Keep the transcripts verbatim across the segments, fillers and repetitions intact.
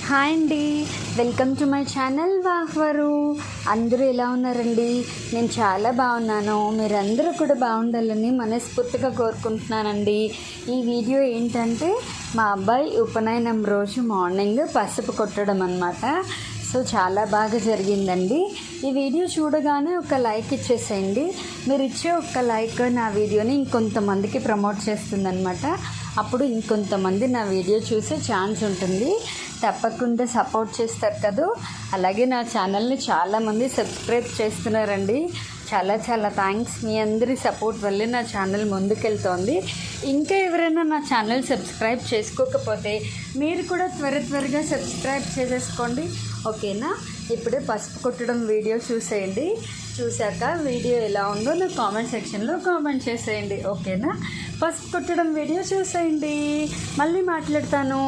Hi అండి, welcome to my channel వాహ్వరు. అందరూ ఎలా ఉన్నారండి? నేను చాలా బాగున్నాను. మీరందరూ కూడా బాగుండాలని మనస్ఫూర్తిగా కోరుకుంటున్నానండి. ఈ వీడియో ఏంటంటే మా అబ్బాయి ఉపనయనం రోజు మార్నింగ్ పసుపు కొట్టడం అన్నమాట. సో చాలా బాగా జరిగిందండి. ఈ వీడియో చూడగానే ఒక లైక్ ఇచ్చేసేయండి. మీరు ఇచ్చే ఒక లైక్ నా వీడియోని ఇంకొంతమందికి ప్రమోట్ చేస్తుందన్నమాట. అప్పుడు ఇంకొంతమంది నా వీడియో చూసే ఛాన్స్ ఉంటుంది. తప్పకుండా సపోర్ట్ చేస్తారు కదా. అలాగే నా ఛానల్ని చాలామంది సబ్స్క్రైబ్ చేస్తున్నారండి. చాలా చాలా థ్యాంక్స్. మీ అందరి సపోర్ట్ వల్లే నా ఛానల్ ముందుకెళ్తోంది. ఇంకా ఎవరైనా నా ఛానల్ సబ్స్క్రైబ్ చేసుకోకపోతే మీరు కూడా త్వర త్వరగా సబ్స్క్రైబ్ చేసేసుకోండి, ఓకేనా? ఇప్పుడే పసుపు కొట్టడం వీడియో చూసేయండి. చూశాక వీడియో ఎలా ఉందో నా కామెంట్ సెక్షన్లో కామెంట్ చేసేయండి, ఓకేనా? పసుపు కొట్టడం వీడియో చూసేయండి. మళ్ళీ మాట్లాడతాను.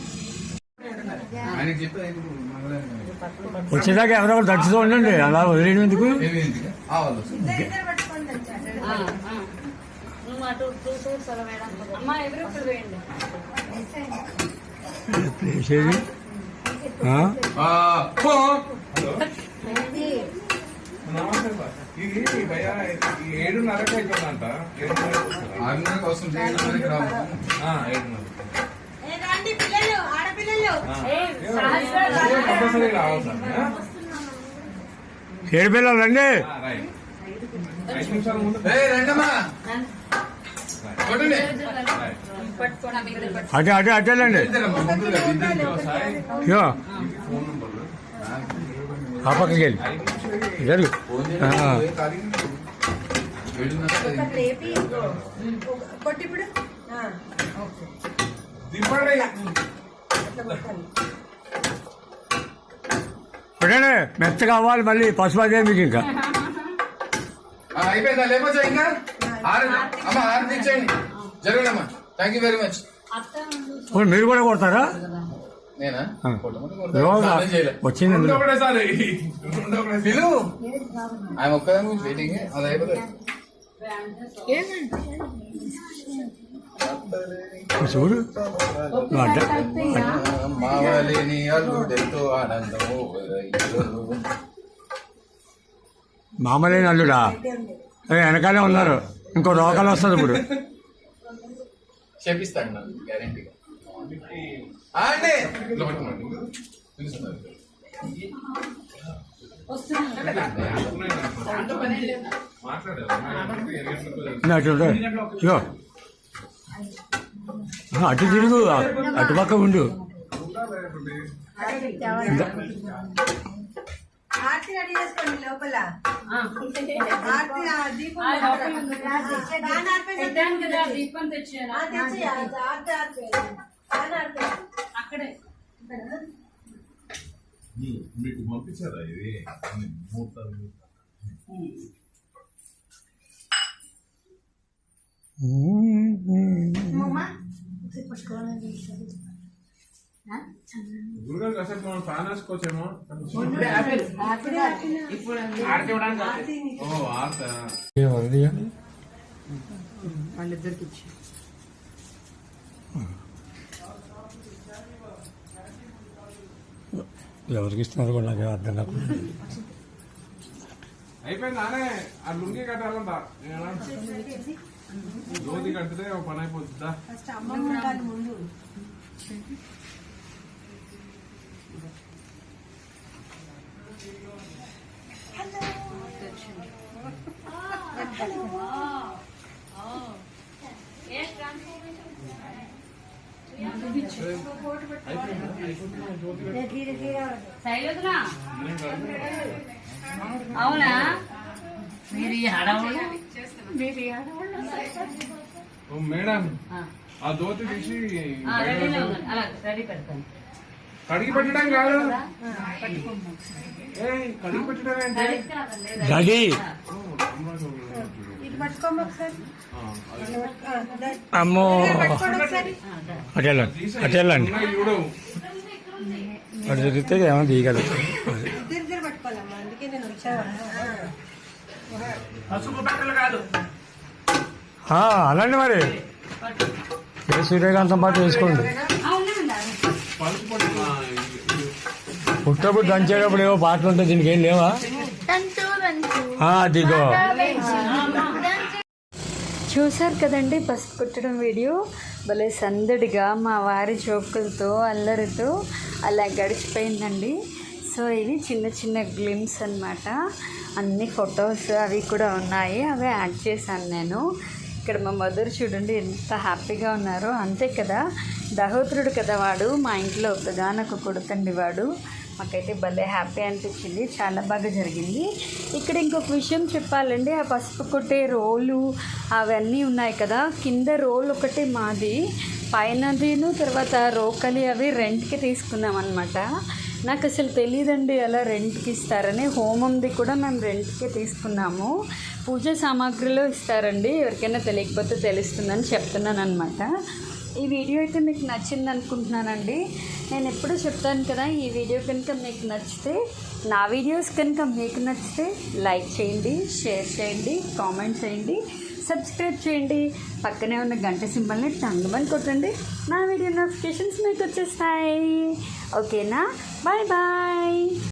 వచ్చేదాకా ఎవరో దర్శిస్తూ ఉండండి, అలా వదిలేయడం ఎందుకు? ప్లేసేది ఏడున్నరకు అయిపోయిందంట. ఆరున్నరకు వస్తుంది. ఏడు పిల్లలు రండి. అటే అటే అటేలండి. ఆ పక్కకి వెళ్ళి జరుగు. చూడండి, మెత్తగా అవ్వాలి. మళ్ళీ పసుపు అదే మీకు ఇంకా అయిపోయిందా? లేకపోతే ఇంకా అమ్మ ఆరు ఇచ్చేయండి. జరగడమ్మా. Thank you very much. మీరు కూడా కొడతారా? నేనా వచ్చింది ఆయన ఒక్కదాని గురించి వెయిటింగ్. అది అయిపోతుంది. చూడు, మావలేని అల్లుడెంతో ఆనందము. మామలేని అల్లుడా? వెనకాలే ఉన్నారు. ఇంకో రోగాలు వస్తుంది ఇప్పుడు. చేపిస్తాడు నాకు గ్యారెంటీగా. అటు తిరుగు, అటుపక్క ఉండు. మీకు పంపించారా ఇది ముహూర్తాలు? గురుగారు అసలు మనం ఫ్యాన్ వేసుకోవచ్చేమో. ఓ ఆర్త వాళ్ళిద్దరికి ఇచ్చి ఎవరికి ఇస్తున్నారు కూడా నాకు అర్థం కాదు. అయిపోయింది. నానే ఆ లుంగి కట్టాలంట. జ్యోతి కట్టితే ఒక పని అయిపోతుందా? అవునా? మేడం ఆ దోతి తీసి కడిగి పెట్టడం కాదు. కడిగి పెట్టడం డాడీ అమ్మో, అటెళ్ళండి అటెళ్ళండి. అటు తిరిగితే ఏమన్నా దిగదు. అలాంటి మరి సూర్యకాంతం పాటు వేసుకోండి. పలుపు పుట్టప్పుడు దంచేటప్పుడు ఏవో పాటలు ఉంటాయి, దీనికి ఏం లేవా? ఆ, అదిగో చూశారు కదండి పసుపు కుట్టడం వీడియో. భలే సందడిగా మా వారి జోకులతో అల్లరితో అలా గడిచిపోయిందండి. సో ఇవి చిన్న చిన్న గ్లిమ్స్ అన్నమాట. అన్ని ఫొటోస్ అవి కూడా ఉన్నాయి, అవి యాడ్ చేశాను నేను. ఇక్కడ మా మదర్ చూడండి ఎంత హ్యాపీగా ఉన్నారో. అంతే కదా, దహోత్రుడు కదా వాడు, మా ఇంట్లో ఒకగానొక కొడుకండి వాడు. మాకైతే భలే హ్యాపీ అనిపించింది, చాలా బాగా జరిగింది. ఇక్కడ ఇంకొక విషయం చెప్పాలండి, ఆ పసుపు కొట్టే రోలు అవన్నీ ఉన్నాయి కదా, కింద రోల్ ఒకటి మాది, పైనదిను తర్వాత రోకలి అవి రెంట్కి తీసుకున్నాం అనమాట. నాకు అసలు తెలియదండి అలా రెంట్కి ఇస్తారని. హోమంది కూడా మేము రెంట్కే తీసుకున్నాము. పూజ సామాగ్రిలో ఇస్తారండి, ఎవరికైనా తెలియకపోతే తెలుస్తుందని చెప్తున్నాను అనమాట. ఈ వీడియో అయితే మీకు నచ్చింది అనుకుంటున్నానండి. నేను ఎప్పుడూ చెప్తాను కదా, ఈ వీడియో కనుక మీకు నచ్చితే, నా వీడియోస్ కనుక మీకు నచ్చితే లైక్ చేయండి, షేర్ చేయండి, కామెంట్ చేయండి, సబ్స్క్రైబ్ చేయండి. పక్కనే ఉన్న గంట సింబల్ని టంగుమని కొట్టండి, నా వీడియో నోటిఫికేషన్స్ మీకు వచ్చేస్తాయి. ఓకేనా? Bye bye.